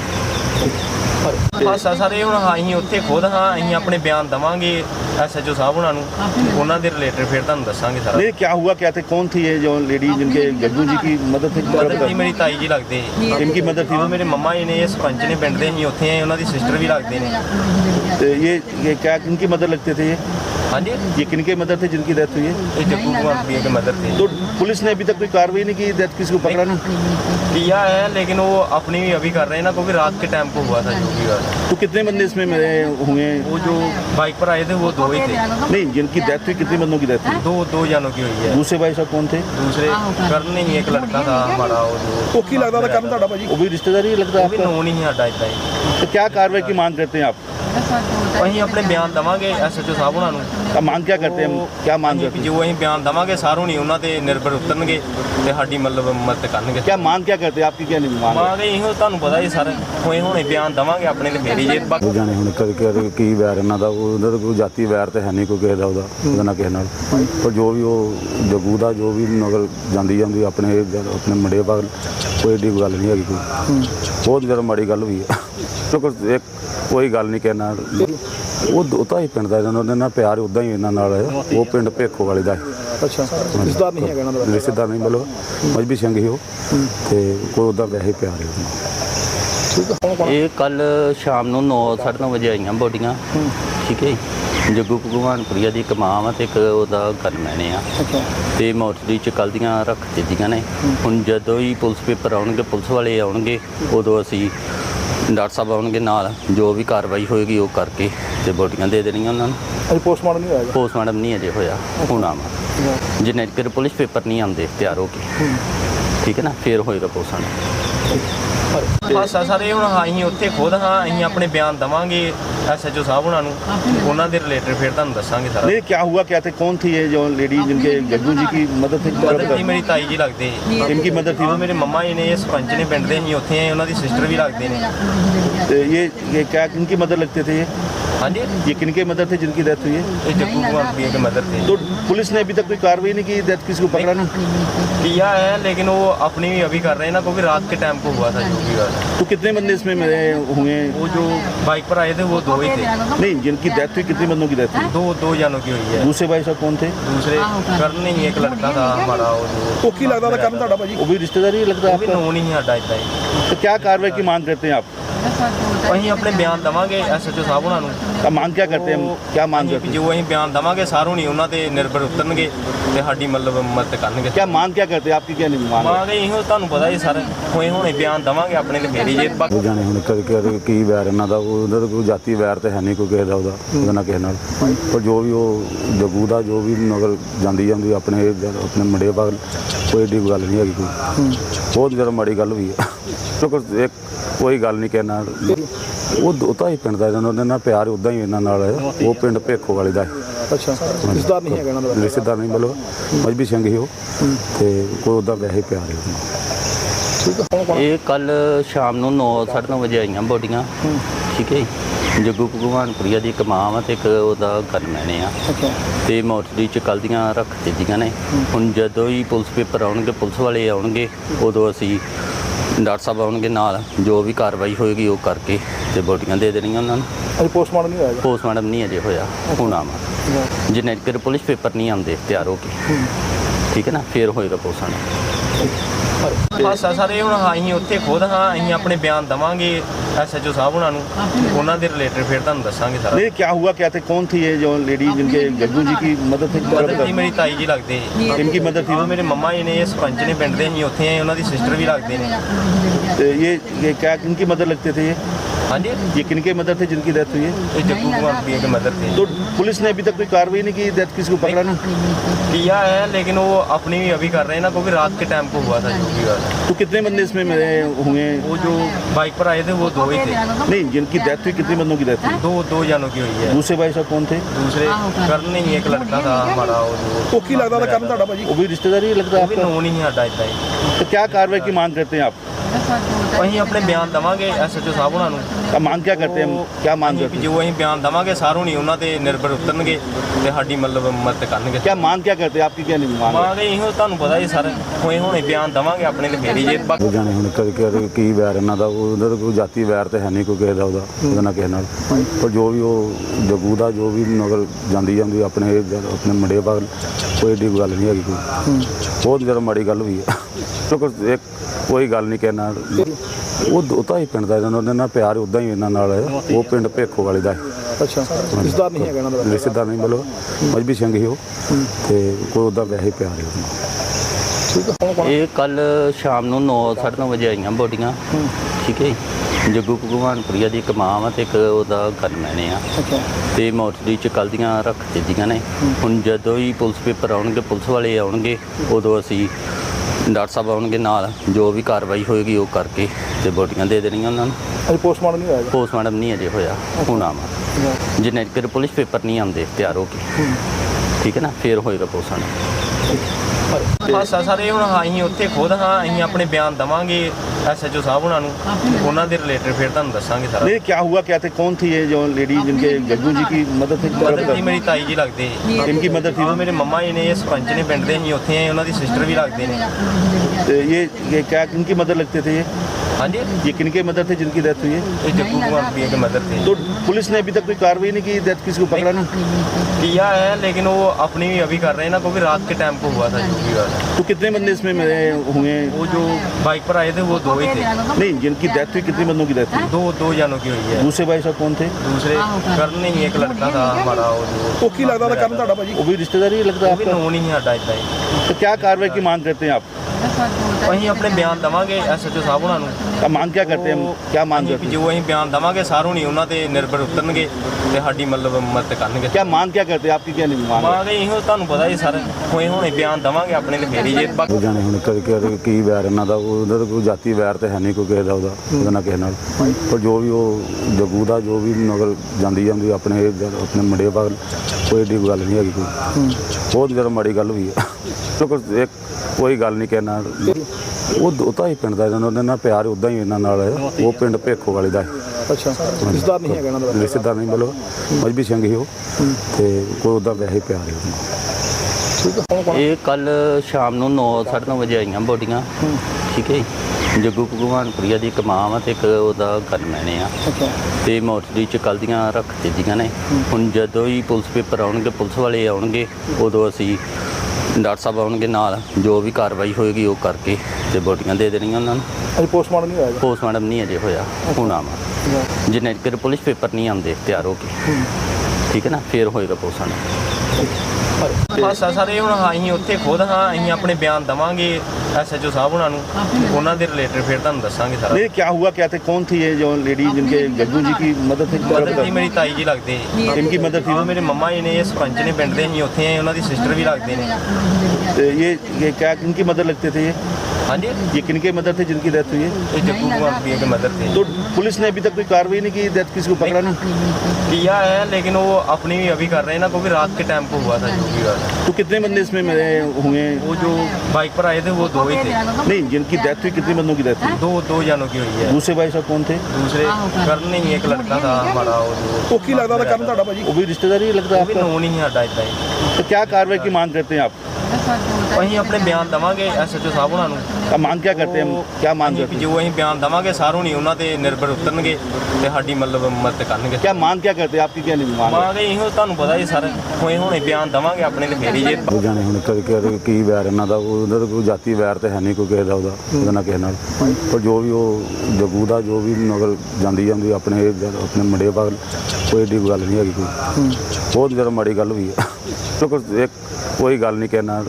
C: ਪੋਸਟਮਾਰਟਮ।
D: ਹਾਂ ਸਾਰੇ ਹੁਣ ਅਸੀਂ ਉੱਥੇ ਖੁਦ ਹਾਂ ਅਸੀਂ ਆਪਣੇ ਬਿਆਨ ਦਵਾਂਗੇ ਐਸਐਚਓ ਸਾਹਿਬ ਉਹਨਾਂ ਨੂੰ ਉਹਨਾਂ ਦੇ ਰਿਲੇਟਡ ਫਿਰ ਤੁਹਾਨੂੰ ਦੱਸਾਂਗੇ ਸਾਰਾ
E: नहीं क्या हुआ क्या थे कौन थी ये जो लेडी जिनके जग्गू जी की मदद थी
D: ਮਦਰ ਜੀ ਮੇਰੀ ਤਾਈ ਜੀ ਲੱਗਦੇ
E: इनकी मदद थी
D: ਹਾਂ ਮੇਰੇ ਮੰਮਾ ਜੀ ਨੇ ਇਹ ਸਰਪੰਚ ਨੇ ਪਿੰਡ ਦੇ ਅਸੀਂ ਉੱਥੇ ਆਏ ਉਹਨਾਂ ਦੀ ਸਿਸਟਰ ਵੀ ਲੱਗਦੇ ਨੇ
E: तो ये क्या किनकी मदद लगते थे
D: ਹਾਂਜੀ
E: ये किनके मदद थे जिनकी डेथ हुई है
D: ਇਹ जग्गू कुमार प्रिया के मदर थे
E: तो पुलिस ने अभी तक कोई कार्रवाई नहीं की डेथ किसी को पकड़ा नहीं
D: किया है लेकिन वो अपनी भी अभी कर रहे हैं ना क्योंकि रात के टाइम को हुआ था जो भी हुआ था।
E: तो कितने बंदे इसमें मरे हुए
D: वो जो बाइक पर आए थे वो दो ही थे
E: नहीं जिनकी डेथ हुई कितने बंदों की डेथ हुई
D: दो जानों की हुई है
E: दूसरे भाई साहब कौन थे
D: दूसरे करण नहीं एक लड़का था हमारा वो जो
B: ਉਹ ਕੀ ਲੱਗਦਾ ਦਾ ਕਰਨ ਤੁਹਾਡਾ ਭਾਜੀ
E: वो भी रिश्तेदार ही लगता है
D: वो भी
E: आपका
D: नोन ही है साडा इतना ही
E: तो क्या कार्रवाई की मांग करते हैं आप
D: ਅਸੀਂ ਆਪਣੇ ਬਿਆਨ ਦਵਾਂਗੇ ਐਸਐਚਓ ਸਾਹਿਬ ਉਹਨਾਂ ਨੂੰ
E: क्या मांग क्या करते हैं क्या मांग
D: ਅਸੀਂ
E: करते
D: ਵੀ
E: हैं
D: ਜੋ ਅਸੀਂ ਬਿਆਨ ਦਵਾਂਗੇ ਸਾਰੋਂ ਨਹੀਂ ਉਹਨਾਂ ਤੇ ਨਿਰਭਰ ਉਤਰਨਗੇ ਤੇ ਸਾਡੀ ਮਤਲਬ ਮਦਦ ਕਰਨਗੇ
E: क्या मांग क्या करते हैं आपकी क्या नहीं मांग है?
D: ਮਾਂਗੇ ਇਹੋ ਤੁਹਾਨੂੰ ਪਤਾ ਹੀ ਸਰ ਹੋਏ ਹੁਣੇ ਬਿਆਨ ਦਵਾਂਗੇ ਆਪਣੇ ਤੇ ਫੇਰੀ ਜੇ ਬਾਕੀ
A: ਉਹ ਜਾਣੇ ਹੁਣ ਕਦੇ ਕੀ ਵੈਰ ਇਹਨਾਂ ਦਾ ਉਹਦਾ ਤਾਂ ਕੋਈ ਜਾਤੀ ਵੈਰ ਤੇ ਹੈ ਨਹੀਂ ਕੋਈ ਕਿਸੇ ਦਾ ਉਹਦਾ ਨਾ ਕਿਸੇ ਨਾਲ ਪਰ ਜੋ ਵੀ ਉਹ ਜਗੂ ਦਾ ਜੋ ਵੀ ਨਗਰ ਜਾਂਦੀ ਆਪਣੇ ਮੁੰਡੇ ਬਾਗ ਕੋਈ ਏਡੀ ਗੱਲ ਨਹੀਂ ਹੈਗੀ ਕੋਈ ਬਹੁਤ ਜ਼ਿਆਦਾ ਮਾੜੀ ਗੱਲ ਹੋਈ ਹੈ ਚਲੋ ਇੱਕ ਕੋਈ ਗੱਲ ਨਹੀਂ ਕਹਿਣਾ ਉਹ ਤਾਂ ਹੀ ਪਿੰਡ ਦਾ ਇਹਨਾਂ ਨਾਲ ਪਿਆਰ ਉਦਾਂ ਹੀ ਇਹਨਾਂ ਨਾਲ ਹੈ। ਉਹ ਪਿੰਡ ਭੇਖੋ ਵਾਲੇ ਦਾ ਹੈ।
B: ਅੱਛਾ ਰਿਸ਼ਤੇਦਾਰ ਨਹੀਂ ਹੈਗਾ ਇਹਨਾਂ ਦਾ
A: ਰਿਸ਼ਤੇਦਾਰ ਨਹੀਂ ਬੋਲੋ ਮਜਬੀ ਸਿੰਘ ਹੀ ਉਹ ਤੇ ਕੋਈ ਉਹਦਾ ਵੈਸੇ ਪਿਆਰ ਹੈ ਉਹਨੂੰ।
B: ਠੀਕ ਹੈ ਹੁਣ ਕੋਣ
C: ਇਹ ਕੱਲ ਸ਼ਾਮ ਨੂੰ 9:30 ਵਜੇ ਆਈਆਂ ਬੋਡੀਆਂ ਠੀਕ ਹੈ ਜੀ। ਜੱਗੂ ਭਗਵਾਨਪੁਰੀਆ ਦੀ ਇੱਕ ਮਾਂ ਵਾ ਤੇ ਇੱਕ ਉਹਦਾ ਗਨਮੈਨ ਆ
B: ਅੱਛਾ
C: ਤੇ ਮੋਰਚਰੀ ਚ ਕੱਲ੍ਹ ਦੀਆਂ ਰੱਖ ਦਿੱਤੀਆਂ ਨੇ। ਹੁਣ ਜਦੋਂ ਹੀ ਪੁਲਿਸ ਪੇਪਰ ਆਉਣਗੇ ਪੁਲਿਸ ਵਾਲੇ ਆਉਣਗੇ ਉਦੋਂ ਅਸੀਂ ਡਾਕਟਰ ਸਾਹਿਬ ਆਉਣਗੇ ਨਾਲ ਜੋ ਵੀ ਕਾਰਵਾਈ ਹੋਏਗੀ ਉਹ ਕਰਕੇ ਤੇ ਬੋਡੀਆਂ ਦੇ ਦੇਣੀਆਂ ਉਹਨਾਂ ਨੂੰ।
B: ਅਜੇ ਪੋਸਟਮਾਰਟਮ ਨਹੀਂ ਹੋਇਆ
C: ਪੋਸਟਮਾਰਟਮ ਨਹੀਂ ਅਜੇ ਹੋਇਆ ਹੁਣ ਆਵਾਂ ਜਿੰਨੇ ਚਿਰ ਪੁਲਿਸ ਪੇਪਰ ਨਹੀਂ ਆਉਂਦੇ ਤਿਆਰ ਹੋ ਕੇ ਠੀਕ ਹੈ ਨਾ ਫਿਰ ਹੋਏਗਾ ਪੋਸਟਮਾਰਟਮ।
D: ਹਾਂ ਸਾਰੇ ਹੁਣ ਅਸੀਂ ਉੱਥੇ ਖੁਦ ਹਾਂ ਅਸੀਂ ਆਪਣੇ ਬਿਆਨ ਦਵਾਂਗੇ ਐਸਐਚਓ ਸਾਹਿਬ ਉਹਨਾਂ ਨੂੰ ਉਹਨਾਂ ਦੇ ਰਿਲੇਟਡ ਫਿਰ ਤੁਹਾਨੂੰ ਦੱਸਾਂਗੇ ਸਾਰਾ
E: नहीं क्या हुआ क्या थे कौन थी ये जो लेडी जिनके जग्गू जी की मदद थी
D: ਮਦਰ ਜੀ ਮੇਰੀ ਤਾਈ ਜੀ ਲੱਗਦੇ
E: इनकी मदद थी
D: ਹਾਂ ਮੇਰੇ ਮੰਮਾ ਜੀ ਨੇ ਇਹ ਸਰਪੰਚ ਨੇ ਪਿੰਡ ਦੇ ਅਸੀਂ ਉੱਥੇ ਆਏ ਉਹਨਾਂ ਦੀ ਸਿਸਟਰ ਵੀ ਲੱਗਦੇ ਨੇ
E: तो ये क्या किनकी मदद लगते थे
D: ਹਾਂਜੀ
E: ये किनके मदद थे जिनकी डेथ हुई है
D: ਇਹ जग्गू कुमार प्रिया के मदर थे
E: तो पुलिस ने अभी तक कोई कार्रवाई नहीं की डेथ किसी को पकड़ा नहीं
D: किया है लेकिन वो अपनी भी अभी कर रहे हैं ना क्योंकि रात के टाइम को हुआ था जो भी हुआ था।
E: तो कितने बंदे इसमें मरे हुए
D: वो जो बाइक पर आए थे वो दो ही थे
E: नहीं जिनकी डेथ हुई कितने बंदों की डेथ हुई
D: दो जानों की हुई है
E: दूसरे भाई साहब कौन थे
D: दूसरे करण नहीं एक लड़का था हमारा वो जो
B: ਉਹ ਕੀ ਲੱਗਦਾ ਦਾ ਕਰਨ ਤੁਹਾਡਾ ਭਾਜੀ
E: वो भी रिश्तेदार ही लगता है
D: वो भी
E: आपका
D: नोन ही है साडा इतना ही
E: तो क्या कार्रवाई की मांग करते हैं आप
D: ਅਸੀਂ ਆਪਣੇ ਬਿਆਨ ਦਵਾਂਗੇ ਐਸਐਚਓ ਸਾਹਿਬ ਉਹਨਾਂ ਨੂੰ
E: अब मांग क्या करते हैं, क्या मांग
D: ਅਸੀਂ
E: करते हैं?
D: ਜੋ ਅਸੀਂ ਬਿਆਨ ਦਵਾਂਗੇ ਸਾਰੋਂ ਨਹੀਂ ਉਹਨਾਂ ਤੇ ਨਿਰਭਰ ਉਤਰਨਗੇ ਤੇ ਸਾਡੀ ਮਤਲਬ ਮਦਦ ਕਰਨਗੇ
E: क्या मांग क्या करते हैं, आपकी क्या नहीं मांग है?
D: ਮਾਂਗੇ ਇਹੋ ਤੁਹਾਨੂੰ ਪਤਾ ਹੀ ਸਰ ਹੋਏ ਹੁਣੇ ਬਿਆਨ ਦਵਾਂਗੇ ਆਪਣੇ ਤੇ ਫੇਰੀ ਜੇ ਬਾਕੀ
A: ਉਹ ਜਾਣੇ ਹੁਣ ਕਦੇ ਕੀ ਵੈਰ ਇਹਨਾਂ ਦਾ ਉਹਦਾ ਤਾਂ ਕੋਈ ਜਾਤੀ ਵੈਰ ਤੇ ਹੈ ਨਹੀਂ ਕੋਈ ਕਿਸੇ ਦਾ ਉਹਦਾ ਨਾ ਕਿਸੇ ਨਾਲ ਪਰ ਜੋ ਵੀ ਉਹ ਜਗੂ ਦਾ ਜੋ ਵੀ ਨਗਰ ਜਾਂਦੀ ਆਪਣੇ ਮੁੰਡੇ ਬਾਗ ਕੋਈ ਏਡੀ ਗੱਲ ਨਹੀਂ ਹੈਗੀ ਕੋਈ ਬਹੁਤ ਜ਼ਿਆਦਾ ਮਾੜੀ ਗੱਲ ਵੀ ਹੈ ਇੱਕ ਕੋਈ ਗੱਲ ਨਹੀਂ ਕਹਿਣਾ ਉਹ ਤਾਂ ਹੀ ਪਿੰਡ ਦਾ ਇਹਨਾਂ ਨਾਲ ਪਿਆਰ ਉਦਾਂ ਹੀ ਇਹਨਾਂ ਨਾਲ ਹੈ ਉਹ ਪਿੰਡ ਭੇਖੋ ਵਾਲੇ ਦਾ ਹੈ
B: ਅੱਛਾ ਰਿਸ਼ਤੇਦਾਰ ਨਹੀਂ ਹੈਗਾ ਇਹਨਾਂ ਦਾ
A: ਰਿਸ਼ਤੇਦਾਰ ਨਹੀਂ ਮਤਲਬ ਮਜਬੀ ਸਿੰਘ ਹੀ ਉਹ ਤੇ ਕੋਈ ਉਹਦਾ ਵੈਸੇ ਪਿਆਰ ਹੈ ਉਹਨੂੰ
B: ਠੀਕ ਹੈ ਕੌਣ
C: ਇਹ ਕੱਲ ਸ਼ਾਮ ਨੂੰ 9:30 ਵਜੇ ਆਈਆਂ ਬੋਡੀਆਂ ਠੀਕ ਹੈ ਜੀ। ਜੱਗੂ ਭਗਵਾਨਪੁਰੀਆ ਦੀ ਇੱਕ ਮਾਂ ਵਾ ਤੇ ਇੱਕ ਉਹਦਾ ਗਨਮੈਨ ਆ
B: ਅੱਛਾ
C: ਤੇ ਮੋਰਚਰੀ ਚ ਕੱਲ੍ਹ ਦੀਆਂ ਰੱਖ ਦਿੱਤੀਆਂ ਨੇ। ਹੁਣ ਜਦੋਂ ਹੀ ਪੁਲਿਸ ਪੇਪਰ ਆਉਣਗੇ ਪੁਲਿਸ ਵਾਲੇ ਆਉਣਗੇ ਉਦੋਂ ਅਸੀਂ ਡਾਕਟਰ ਸਾਹਿਬ ਆਉਣਗੇ ਨਾਲ ਜੋ ਵੀ ਕਾਰਵਾਈ ਹੋਏਗੀ ਉਹ ਕਰਕੇ ਤੇ ਬੋਡੀਆਂ ਦੇ ਦੇਣੀਆਂ ਉਹਨਾਂ ਨੂੰ।
B: ਅਜੇ ਪੋਸਟਮਾਰਟਮ ਨਹੀਂ ਹੋਇਆ
C: ਪੋਸਟਮਾਰਟਮ ਨਹੀਂ ਅਜੇ ਹੋਇਆ ਹੁਣ ਆਵਾਂ ਜਿੰਨੇ ਚਿਰ ਪੁਲਿਸ ਪੇਪਰ ਨਹੀਂ ਆਉਂਦੇ ਤਿਆਰ ਹੋ ਕੇ ਠੀਕ ਹੈ ਨਾ ਫਿਰ ਹੋਏਗਾ ਪੋਸਟਮਾਰਟਮ।
D: ਹਾਸਾ ਸਾਰੇ ਹੁਣ ਅਸੀਂ ਉੱਥੇ ਖੁਦ ਹਾਂ ਅਸੀਂ ਆਪਣੇ ਬਿਆਨ ਦਵਾਂਗੇ ਐਸਐਚਓ ਸਾਹਿਬ ਉਹਨਾਂ ਨੂੰ ਉਹਨਾਂ ਦੇ ਰਿਲੇਟਡ ਫਿਰ ਤੁਹਾਨੂੰ ਦੱਸਾਂਗੇ ਸਾਰਾ
E: नहीं क्या हुआ, क्या थे, कौन थी ये जो लेडी जिनके जग्गू जी की मदद थी?
D: ਮਦਦ ਦੀ ਮੇਰੀ ਤਾਈ ਜੀ ਲੱਗਦੇ
E: इनकी मदद थी?
D: ਉਹ ਮੇਰੇ ਮੰਮਾ ਜੀ ਨੇ ਇਹ ਸਰਪੰਚ ਨੇ ਪਿੰਡ ਦੇ ਅਸੀਂ ਉੱਥੇ ਆਏ ਉਹਨਾਂ ਦੀ ਸਿਸਟਰ ਵੀ ਲੱਗਦੇ ਨੇ
E: तो ये क्या किनकी मदद लगते थे
D: ਹਾਂਜੀ
E: ये किनके मदद थे जिनकी डेथ हुई है?
D: ਇਹ जग्गू कुमार की मदद थी
E: तो पुलिस ने अभी तक कोई कार्रवाई नहीं की, डेथ किसी को पकड़ा नहीं?
D: किया है लेकिन वो अपनी भी अभी कर रहे हैं ना क्योंकि रात के टाइम को हुआ था जो भी हुआ था
E: तो कितने बंदे इसमें मिले हुए?
D: वो जो बाइक पर आए थे वो दो ही थे
E: नहीं, जिनकी डेथ हुई कितने बंदों की डेथ हुई?
D: दो जानों की हुई है
E: दूसरे भाई साहब कौन थे?
D: दूसरे करण नहीं एक लड़का था हमारा वो जो
B: ਉਹ ਕੀ ਲੱਗਦਾ ਦਾ ਕੰਮ ਤੁਹਾਡਾ ਭਾਜੀ
E: वो भी रिश्तेदार ही लगता है
D: वो भी
E: आपका?
D: नोन ही साडा इतना ही
E: तो क्या कार्रवाई की मांग करते हैं आप?
D: ਅਸੀਂ ਆਪਣੇ ਬਿਆਨ ਦਵਾਂਗੇ ਐਸਐਚਓ ਸਾਹਿਬ ਉਹਨਾਂ ਨੂੰ
E: अब मांग क्या करते हैं, क्या मांग
D: ਅਸੀਂ
E: करते हैं?
D: ਜੋ ਅਸੀਂ ਬਿਆਨ ਦਵਾਂਗੇ ਸਾਰੋਂ ਨਹੀਂ ਉਹਨਾਂ ਤੇ ਨਿਰਭਰ ਉਤਰਨਗੇ ਤੇ ਸਾਡੀ ਮਤਲਬ ਮਦਦ ਕਰਨਗੇ
E: क्या मांग क्या करते हैं, आपकी क्या नहीं मांग है?
D: ਮਾਂਗੇ ਇਹੋ ਤੁਹਾਨੂੰ ਪਤਾ ਹੀ ਸਰ ਹੋਏ ਹੁਣੇ ਬਿਆਨ ਦਵਾਂਗੇ ਆਪਣੇ ਤੇ ਫੇਰੀ ਜੇ ਬਾਕੀ
A: ਉਹ ਜਾਣੇ ਹੁਣ ਕਦੇ ਕੀ ਵੈਰ ਇਹਨਾਂ ਦਾ ਉਹਦਾ ਤਾਂ ਕੋਈ ਜਾਤੀ ਵੈਰ ਤੇ ਹੈ ਨਹੀਂ ਕੋਈ ਕਿਸੇ ਦਾ ਉਹਦਾ ਨਾ ਕਿਸੇ ਨਾਲ ਪਰ ਜੋ ਵੀ ਉਹ ਜਗੂ ਦਾ ਜੋ ਵੀ ਨਗਰ ਜਾਂਦੀ ਆਪਣੇ ਮੁੰਡੇ ਬਾਗ ਕੋਈ ਏਡੀ ਗੱਲ ਨਹੀਂ ਹੈਗੀ ਕੋਈ ਬਹੁਤ ਜ਼ਿਆਦਾ ਮਾੜੀ ਗੱਲ ਵੀ ਹੈ ਇੱਕ ਕੋਈ ਗੱਲ ਨਹੀਂ ਕਹਿਣਾ ਉਹ ਤਾਂ ਹੀ ਪਿੰਡ ਦਾ ਇਹਨਾਂ ਨਾਲ ਪਿਆਰ ਉਦਾਂ ਹੀ ਇਹਨਾਂ ਨਾਲ ਹੈ ਉਹ ਪਿੰਡ ਭੇਖੋ ਵਾਲੇ ਦਾ ਹੈ
B: ਅੱਛਾ ਰਿਸ਼ਤੇਦਾਰ ਨਹੀਂ ਹੈਗਾ ਇਹਨਾਂ ਦਾ
A: ਰਿਸ਼ਤੇਦਾਰ ਨਹੀਂ ਮਤਲਬ ਮਜਬੀ ਸਿੰਘ ਹੀ ਉਹ ਤੇ ਕੋਈ ਉਹਦਾ ਵੈਸੇ ਪਿਆਰ ਹੈ ਉਹਨੂੰ
B: ਠੀਕ ਹੈ ਕੌਣ
C: ਇਹ ਕੱਲ ਸ਼ਾਮ ਨੂੰ 9:30 ਵਜੇ ਆਈਆਂ ਬੋਡੀਆਂ ਠੀਕ ਹੈ ਜੀ। ਜੱਗੂ ਭਗਵਾਨਪੁਰੀਆ ਦੀ ਇੱਕ ਮਾਂ ਵਾ ਤੇ ਇੱਕ ਉਹਦਾ ਗਨਮੈਨ ਆ
B: ਅੱਛਾ
C: ਤੇ ਮੋਰਚਰੀ ਚ ਕੱਲ੍ਹ ਦੀਆਂ ਰੱਖ ਦਿੱਤੀਆਂ ਨੇ। ਹੁਣ ਜਦੋਂ ਹੀ ਪੁਲਿਸ ਪੇਪਰ ਆਉਣਗੇ ਪੁਲਿਸ ਵਾਲੇ ਆਉਣਗੇ ਉਦੋਂ ਅਸੀਂ ਡਾਕਟਰ ਸਾਹਿਬ ਆਉਣਗੇ ਨਾਲ ਜੋ ਵੀ ਕਾਰਵਾਈ ਹੋਏਗੀ ਉਹ ਕਰਕੇ ਤੇ ਬੋਡੀਆਂ ਦੇ ਦੇਣੀਆਂ ਉਹਨਾਂ ਨੂੰ।
B: ਅਜੇ ਪੋਸਟਮਾਰਟਮ ਨਹੀਂ ਹੋਇਆ
C: ਪੋਸਟਮਾਰਟਮ ਨਹੀਂ ਅਜੇ ਹੋਇਆ ਹੁਣ ਆਵਾਂ ਜਿੰਨੇ ਚਿਰ ਪੁਲਿਸ ਪੇਪਰ ਨਹੀਂ ਆਉਂਦੇ ਤਿਆਰ ਹੋ ਕੇ ਠੀਕ ਹੈ ਨਾ ਫਿਰ ਹੋਏਗਾ ਪੋਸਟਮਾਰਟਮ।
D: ਹਾਸਾ ਸਾਰੇ ਹੁਣ ਅਸੀਂ ਉੱਥੇ ਖੁਦ ਹਾਂ ਅਸੀਂ ਆਪਣੇ ਬਿਆਨ ਦਵਾਂਗੇ ਐਸਐਚਓ ਸਾਹਿਬ ਉਹਨਾਂ ਨੂੰ ਉਹਨਾਂ ਦੇ ਰਿਲੇਟਡ ਫਿਰ ਤੁਹਾਨੂੰ ਦੱਸਾਂਗੇ ਸਾਰਾ
E: नहीं क्या हुआ, क्या थे, कौन थी ये जो लेडी जिनके जग्गू जी की मदद
D: ਮਦਦ ਦੀ
E: थी?
D: ਮੇਰੀ ਤਾਈ ਜੀ ਲੱਗਦੇ
E: इनकी मदद थी?
D: ਉਹ ਮੇਰੇ ਮੰਮਾ ਜੀ ਨੇ ਇਹ ਸਰਪੰਚ ਨੇ ਪਿੰਡ ਦੇ ਅਸੀਂ ਉੱਥੇ ਆਏ ਉਹਨਾਂ ਦੀ ਸਿਸਟਰ ਵੀ ਲੱਗਦੇ ਨੇ
E: तो ये क्या किनकी मदद लगते थे
D: ਹਾਂਜੀ
E: ये किनके मदद थे जिनकी डेथ हुई है?
D: ਇਹ जग्गू कुमार की मदद थी
E: तो पुलिस ने अभी तक कोई कार्रवाई नहीं की, डेथ किसी को पकड़ा नहीं?
D: किया है लेकिन वो अपनी भी अभी कर रहे हैं ना क्योंकि रात के टाइम को हुआ था जो भी हुआ था
E: तो कितने बंदे इसमें मिले हुए?
D: वो जो बाइक पर आए थे वो दो ही थे
E: नहीं, जिनकी डेथ हुई कितने बंदों की डेथ हुई?
D: दो जानों की हुई है
E: दूसरे भाई साहब कौन थे?
D: दूसरे करण नहीं एक लड़का था हमारा वो जो
B: ਉਹ ਕੀ ਲੱਗਦਾ ਦਾ ਕੰਮ ਤੁਹਾਡਾ ਭਾਜੀ
E: वो भी रिश्तेदार ही लगता है
D: वो भी
E: आपका?
D: नोन ही साडा इतना ही
E: तो क्या कार्रवाई की मांग करते हैं आप?
D: ਅਸੀਂ ਆਪਣੇ ਬਿਆਨ ਦਵਾਂਗੇ ਐਸਐਚਓ ਸਾਹਿਬ ਉਹਨਾਂ ਨੂੰ
E: अब मांग क्या करते हैं, क्या मांग करते हैं?
D: ਜੋ ਅਸੀਂ ਬਿਆਨ ਦਵਾਂਗੇ ਸਾਰੋਂ ਨਹੀਂ ਉਹਨਾਂ ਤੇ ਨਿਰਭਰ ਉਤਰਨਗੇ ਤੇ ਸਾਡੀ ਮਤਲਬ ਮਦਦ ਕਰਨਗੇ
E: क्या मांग क्या करते हैं, आपकी क्या नहीं मांग है?
D: ਮਾਂਗੇ ਇਹੋ ਤੁਹਾਨੂੰ ਪਤਾ ਹੀ ਸਰ ਹੋਏ ਹੁਣੇ ਬਿਆਨ ਦਵਾਂਗੇ ਆਪਣੇ ਤੇ ਫੇਰੀ ਜੇ ਬਾਕੀ
A: ਉਹ ਜਾਣੇ ਹੁਣ ਕਦੇ ਕੀ ਵੈਰ ਇਹਨਾਂ ਦਾ ਉਹਦਾ ਤਾਂ ਕੋਈ ਜਾਤੀ ਵੈਰ ਤੇ ਹੈ ਨਹੀਂ ਕੋਈ ਕਿਸੇ ਦਾ ਉਹਦਾ ਨਾ ਕਿਸੇ ਨਾਲ ਪਰ ਜੋ ਵੀ ਉਹ ਜਗੂ ਦਾ ਜੋ ਵੀ ਨਗਰ ਜਾਂਦੀ ਆਪਣੇ ਮੁੰਡੇ ਬਾਗ ਕੋਈ ਏਡੀ ਗੱਲ ਨਹੀਂ ਹੈਗੀ ਕੋਈ ਬਹੁਤ ਜ਼ਿਆਦਾ ਮਾੜੀ ਗੱਲ ਵੀ ਹੈ ਇੱਕ ਕੋਈ ਗੱਲ ਨਹੀਂ ਕਹਿਣਾ ਉਹ ਤਾਂ ਹੀ ਪਿੰਡ ਦਾ ਇਹਨਾਂ ਨਾਲ ਪਿਆਰ ਉਦਾਂ ਹੀ ਇਹਨਾਂ ਨਾਲ ਹੈ ਉਹ ਪਿੰਡ ਭੇਖੋ ਵਾਲੇ ਦਾ ਹੈ
B: ਅੱਛਾ ਰਿਸ਼ਤੇਦਾਰ ਨਹੀਂ ਹੈਗਾ ਇਹਨਾਂ ਦਾ
A: ਰਿਸ਼ਤੇਦਾਰ ਨਹੀਂ ਮਤਲਬ ਮਜਬੀ ਸਿੰਘ ਹੀ ਉਹ ਤੇ ਕੋਈ ਉਹਦਾ ਵੈਸੇ ਪਿਆਰ ਹੈ ਉਹਨੂੰ
B: ਠੀਕ ਹੈ ਕੌਣ
C: ਇਹ ਕੱਲ ਸ਼ਾਮ ਨੂੰ 9:30 ਵਜੇ ਆਈਆਂ ਬੋਡੀਆਂ ਠੀਕ ਹੈ ਜੀ। ਜੱਗੂ ਭਗਵਾਨਪੁਰੀਆ ਦੀ ਇੱਕ ਮਾਂ ਵਾ ਤੇ ਇੱਕ ਉਹਦਾ ਗਨਮੈਨ ਆ
B: ਅੱਛਾ
C: ਤੇ ਮੋਰਚਰੀ ਚ ਕੱਲ੍ਹ ਦੀਆਂ ਰੱਖ ਦਿੱਤੀਆਂ ਨੇ। ਹੁਣ ਜਦੋਂ ਹੀ ਪੁਲਿਸ ਪੇਪਰ ਆਉਣਗੇ ਪੁਲਿਸ ਵਾਲੇ ਆਉਣਗੇ ਉਦੋਂ ਅਸੀਂ ਡਾਕਟਰ ਸਾਹਿਬ ਆਉਣਗੇ ਨਾਲ ਜੋ ਵੀ ਕਾਰਵਾਈ ਹੋਏਗੀ ਉਹ ਕਰਕੇ ਤੇ ਬੋਡੀਆਂ ਦੇ ਦੇਣੀਆਂ ਉਹਨਾਂ ਨੂੰ।
B: ਅਜੇ ਪੋਸਟਮਾਰਟਮ ਨਹੀਂ ਹੋਇਆ
C: ਪੋਸਟਮਾਰਟਮ ਨਹੀਂ ਅਜੇ ਹੋਇਆ ਹੁਣ ਆਵਾਂ ਜਿੰਨੇ ਚਿਰ ਪੁਲਿਸ ਪੇਪਰ ਨਹੀਂ ਆਉਂਦੇ ਤਿਆਰ ਹੋ ਕੇ, ਠੀਕ ਹੈ ਨਾ, ਫਿਰ ਹੋਏਗਾ ਪੋਸਟਮਾਰਟਮ।
D: ਹਾਸਾ ਸਾਰੇ ਹੁਣ ਅਸੀਂ ਉੱਥੇ ਖੁਦ ਹਾਂ, ਅਸੀਂ ਆਪਣੇ ਬਿਆਨ ਦਵਾਂਗੇ SHO ਸਾਹਿਬ ਉਹਨਾਂ ਨੂੰ, ਉਹਨਾਂ ਦੇ ਰਿਲੇਟਡ ਫਿਰ ਤੁਹਾਨੂੰ ਦੱਸਾਂਗੇ ਸਾਰਾ।
E: नहीं क्या हुआ क्या थे कौन थी ये जो लेडी जिनके जग्गू जी की मदद थी
D: ਮਦਦ ਦੀ ਮੇਰੀ ਤਾਈ ਜੀ ਲੱਗਦੇ ਜੀ।
E: इनकी मदद थी
D: ਉਹ ਮੇਰੇ ਮੰਮਾ ਜੀ ਨੇ, ਇਹ ਸਰਪੰਚ ਨੇ ਪਿੰਡ ਦੇ, ਅਸੀਂ ਉੱਥੇ ਆਏ, ਉਹਨਾਂ ਦੀ ਸਿਸਟਰ ਵੀ ਲੱਗਦੇ ਨੇ।
E: तो ये क्या किनकी मदद लगते थे
D: ਹਾਂਜੀ,
E: ये किनके मदद थे जिनकी डेथ हुई है?
D: ਇਹ जग्गू कुमार प्रिया के मदर थे।
E: तो पुलिस ने अभी तक कोई कार्रवाई नहीं की, डेथ किसी को पकड़ा नहीं?
D: किया है, लेकिन वो अपनी भी अभी कर रहे हैं ना, क्योंकि रात के टाइम को हुआ था जो भी हुआ था।
E: तो कितने बंदे इसमें मरे हुए?
D: वो जो बाइक पर आए थे वो 2 ही थे।
E: नहीं जिनकी डेथ हुई कितने बंदों की डेथ हुई?
D: दो जानों की हुई है।
E: दूसरे भाई साहब कौन थे?
D: दूसरे करण नहीं, एक लड़का था हमारा, वो जो
B: ਉਹ ਕੀ ਲੱਗਦਾ ਉਹਦਾ ਕਾਰਨ ਤੁਹਾਡਾ ਭਾਜੀ?
E: वो भी रिश्तेदारी लगता है
D: वो भी
E: आपका?
D: नोन ही साडा इतना ही।
E: तो क्या कार्रवाई की मांग करते हैं आप?
D: ਅਸੀਂ ਆਪਣੇ ਬਿਆਨ ਦਵਾਂਗੇ SHO ਸਾਹਿਬ ਉਹਨਾਂ ਨੂੰ।
E: अब मांग क्या करते हैं? क्या मांग
D: ਅਸੀਂ
E: करते हैं?
D: ਜੋ ਅਸੀਂ ਬਿਆਨ ਦਵਾਂਗੇ ਸਾਰੋਂ ਨਹੀਂ ਉਹਨਾਂ ਤੇ ਨਿਰਭਰ ਉਤਰਨਗੇ ਤੇ ਸਾਡੀ ਮਤਲਬ ਮਦਦ ਕਰਨਗੇ।
E: क्या मांग क्या करते हैं? आपकी क्या नहीं मांग है?
D: ਮਾਂ ਗਈ ਇਹੋ ਤੁਹਾਨੂੰ ਪਤਾ ਹੀ ਸਰ, ਹੋਏ ਹੁਣੇ ਬਿਆਨ ਦਵਾਂਗੇ ਆਪਣੇ ਤੇ ਫੇਰੀ ਜੇ।
A: ਉਹ ਜਾਣੇ ਹੁਣ ਕਦੇ ਕੀ ਵੈਰ ਇਹਨਾਂ ਦਾ, ਉਹਨਾਂ ਦਾ ਕੋਈ ਜਾਤੀ ਵੈਰ ਤੇ ਹੈ ਨਹੀਂ ਕੋਈ ਕਿਸੇ ਦਾ ਉਹਦਾ ਨਾ ਕਿਸੇ ਨਾਲ। ਪਰ ਜੋ ਵੀ ਉਹ ਜਗੂ ਦਾ ਜੋ ਵੀ ਨਗਰ ਜਾਂਦੀ ਆਪਣੇ ਮੁੰਡੇ ਬਾਗ, ਕੋਈ ਏਡੀ ਗੱਲ ਨਹੀਂ ਹੈਗੀ ਕੋਈ, ਬਹੁਤ ਜ਼ਿਆਦਾ ਮਾੜੀ ਗੱਲ ਵੀ ਹੈ। ਇੱਕ ਕੋਈ ਗੱਲ ਨਹੀਂ ਕਹਿਣਾ,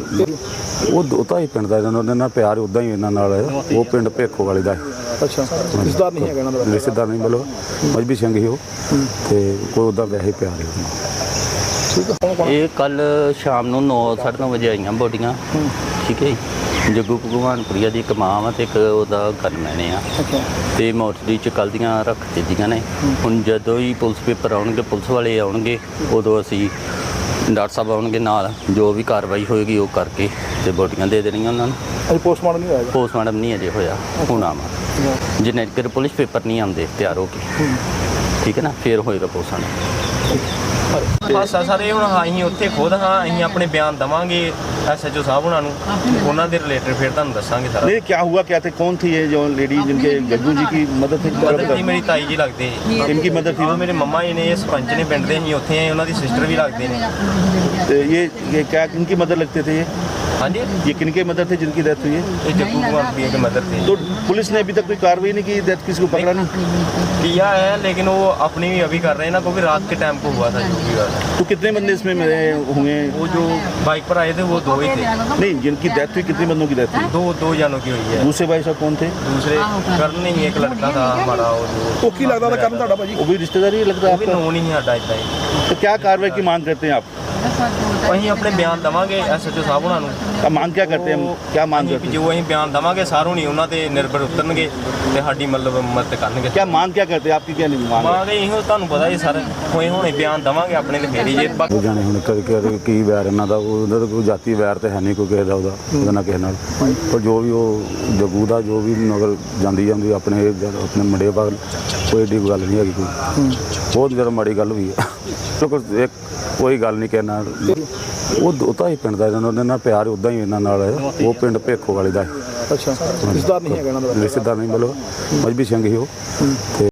A: ਉਹ ਤਾਂ ਹੀ ਪਿੰਡ ਦਾ ਇਹਨਾਂ ਨਾਲ ਪਿਆਰ ਉੱਦਾਂ ਹੀ ਇਹਨਾਂ ਨਾਲ ਹੈ। ਉਹ ਪਿੰਡ ਭੇਖੋ ਵਾਲੇ ਦਾ ਹੈ,
B: ਅੱਛਾ, ਰਿਸ਼ਤੇਦਾਰ ਨਹੀਂ ਹੈਗਾ ਇਹਨਾਂ ਦਾ?
A: ਰਿਸ਼ਤੇਦਾਰ ਨਹੀਂ ਮਤਲਬ ਮਜਬੀ ਸਿੰਘ ਹੀ ਉਹ, ਤੇ ਕੋਈ ਉੱਦਾਂ ਵੈਸੇ ਪਿਆਰ ਹੈ ਉਹਨੂੰ।
B: ਠੀਕ ਹੈ, ਕੌਣ
C: ਇਹ ਕੱਲ ਸ਼ਾਮ ਨੂੰ 9:30 ਵਜੇ ਆਈਆਂ ਬੋਡੀਆਂ, ਠੀਕ ਹੈ ਜੀ। ਜੱਗੂ ਭਗਵਾਨਪੁਰੀਆ ਦੀ ਇੱਕ ਮਾਂ ਵਾ ਤੇ ਇੱਕ ਉਹਦਾ ਗਨਮੈਨ ਆ,
B: ਅੱਛਾ,
C: ਤੇ ਮੋਰਚਰੀ ਚ ਕੱਲ੍ਹ ਦੀਆਂ ਰੱਖ ਦਿੱਤੀਆਂ ਨੇ। ਹੁਣ ਜਦੋਂ ਹੀ ਪੁਲਿਸ ਪੇਪਰ ਆਉਣਗੇ, ਪੁਲਿਸ ਵਾਲੇ ਆਉਣਗੇ, ਉਦੋਂ ਅਸੀਂ ਡਾਕਟਰ ਸਾਹਿਬ ਆਉਣਗੇ ਨਾਲ, ਜੋ ਵੀ ਕਾਰਵਾਈ ਹੋਏਗੀ ਉਹ ਕਰਕੇ ਤੇ ਬੋਡੀਆਂ ਦੇ ਦੇਣੀਆਂ ਉਹਨਾਂ ਨੂੰ।
B: ਅਜੇ ਪੋਸਟਮਾਰਟਮ ਨਹੀਂ ਹੋਇਆ?
C: ਪੋਸਟਮਾਰਟਮ ਨਹੀਂ ਅਜੇ ਹੋਇਆ, ਹੁਣ ਆਵਾਂ ਜਿੰਨੇ ਚਿਰ ਪੁਲਿਸ ਪੇਪਰ ਨਹੀਂ ਆਉਂਦੇ ਤਿਆਰ ਹੋ ਕੇ, ਠੀਕ ਹੈ ਨਾ, ਫਿਰ ਹੋਏਗਾ ਪੋਸਟਮਾਰਟਮ।
D: ਹਾਸਾ ਸਾਰੇ ਹੁਣ ਅਸੀਂ ਉੱਥੇ ਖੁਦ ਹਾਂ, ਅਸੀਂ ਆਪਣੇ ਬਿਆਨ ਦਵਾਂਗੇ SHO ਸਾਹਿਬ ਉਹਨਾਂ ਨੂੰ, ਉਹਨਾਂ ਦੇ ਰਿਲੇਟਡ ਫਿਰ ਤੁਹਾਨੂੰ ਦੱਸਾਂਗੇ ਸਾਰਾ।
E: नहीं क्या हुआ क्या थे कौन थी ये जो लेडी जिनके जग्गू जी की मदद थी?
D: ਮਦਦ ਦੀ ਮੇਰੀ ਤਾਈ ਜੀ ਲੱਗਦੇ ਜੀ।
E: इनकी मदद थी?
D: ਉਹ ਮੇਰੇ ਮੰਮਾ ਜੀ ਨੇ, ਇਹ ਸਰਪੰਚ ਨੇ ਪਿੰਡ ਦੇ, ਅਸੀਂ ਉੱਥੇ ਆਏ, ਉਹਨਾਂ ਦੀ ਸਿਸਟਰ ਵੀ ਲੱਗਦੇ ਨੇ।
E: तो ये क्या किनकी मदद लगते थे
D: ਹਾਂਜੀ,
E: ये किनके मदद थे जिनकी डेथ हुई है?
D: ਇਹ जग्गू कुमार प्रिया के मदर थे।
E: तो पुलिस ने अभी तक कोई कार्रवाई नहीं की, डेथ किसी को पकड़ा नहीं?
D: किया है, लेकिन वो अपनी भी अभी कर रहे हैं ना, क्योंकि रात के टाइम को हुआ था जो भी हुआ था।
E: तो कितने बंदे इसमें मरे हुए?
D: वो जो बाइक पर आए थे वो 2 ही थे।
E: नहीं जिनकी डेथ हुई कितने बंदों की डेथ हुई?
D: दो जानों की हुई है।
E: दूसरे भाई साहब कौन थे?
D: दूसरे करण नहीं, एक लड़का था हमारा, वो जो
B: ਉਹ ਕੀ ਲੱਗਦਾ ਉਹਦਾ ਕਾਰਨ ਤੁਹਾਡਾ ਭਾਜੀ?
E: वो भी रिश्तेदारी लगता है
D: वो भी
E: आपका?
D: नोन ही साडा इतना ही।
E: तो क्या कार्रवाई की मांग करते हैं आप?
D: ਅਸੀਂ ਆਪਣੇ ਬਿਆਨ ਦਵਾਂਗੇ SHO ਸਾਹਿਬ ਉਹਨਾਂ ਨੂੰ।
E: अब मांग क्या करते हैं? क्या मांग
D: ਅਸੀਂ
E: करते हैं?
D: ਜੋ ਅਸੀਂ ਬਿਆਨ ਦਵਾਂਗੇ ਸਾਰੋਂ ਨਹੀਂ ਉਹਨਾਂ ਤੇ ਨਿਰਭਰ ਉਤਰਨਗੇ ਤੇ ਸਾਡੀ ਮਤਲਬ ਮਦਦ ਕਰਨਗੇ।
E: क्या मांग क्या करते हैं? आपकी क्या नहीं मांग है?
D: ਮਾਂ ਗਈ ਇਹੋ ਤੁਹਾਨੂੰ ਪਤਾ ਹੀ ਸਰ, ਹੋਏ ਹੁਣੇ ਬਿਆਨ ਦਵਾਂਗੇ ਆਪਣੇ ਤੇ ਫੇਰੀ ਜੇ।
A: ਉਹ ਜਾਣੇ ਹੁਣ ਕਦੇ ਕੀ ਵੈਰ ਇਹਨਾਂ ਦਾ, ਉਹਨਾਂ ਦਾ ਕੋਈ ਜਾਤੀ ਵੈਰ ਤੇ ਹੈ ਨਹੀਂ ਕੋਈ ਕਿਸੇ ਦਾ ਉਹਦਾ ਨਾ ਕਿਸੇ ਨਾਲ। ਪਰ ਜੋ ਵੀ ਉਹ ਜਗੂ ਦਾ ਜੋ ਵੀ ਨਗਰ ਜਾਂਦੀ ਆਪਣੇ ਮੁੰਡੇ ਬਾਗ, ਕੋਈ ਏਡੀ ਗੱਲ ਨਹੀਂ ਹੈਗੀ ਕੋਈ, ਬਹੁਤ ਜ਼ਿਆਦਾ ਮਾੜੀ ਗੱਲ ਵੀ ਹੈ। ਇੱਕ ਕੋਈ ਗੱਲ ਨਹੀਂ ਕਹਿਣਾ, ਉਹ ਤਾਂ ਹੀ ਪਿੰਡ ਦਾ ਇਹਨਾਂ ਨਾਲ ਪਿਆਰ ਉੱਦਾਂ ਹੀ ਇਹਨਾਂ ਨਾਲ ਹੈ। ਉਹ ਪਿੰਡ ਭੇਖੋ ਵਾਲੇ ਦਾ ਹੈ,
B: ਅੱਛਾ, ਰਿਸ਼ਤੇਦਾਰ ਨਹੀਂ ਹੈਗਾ ਇਹਨਾਂ ਦਾ?
A: ਰਿਸ਼ਤੇਦਾਰ ਨਹੀਂ ਮਤਲਬ ਮਜਬੀ ਸਿੰਘ ਹੀ ਉਹ, ਤੇ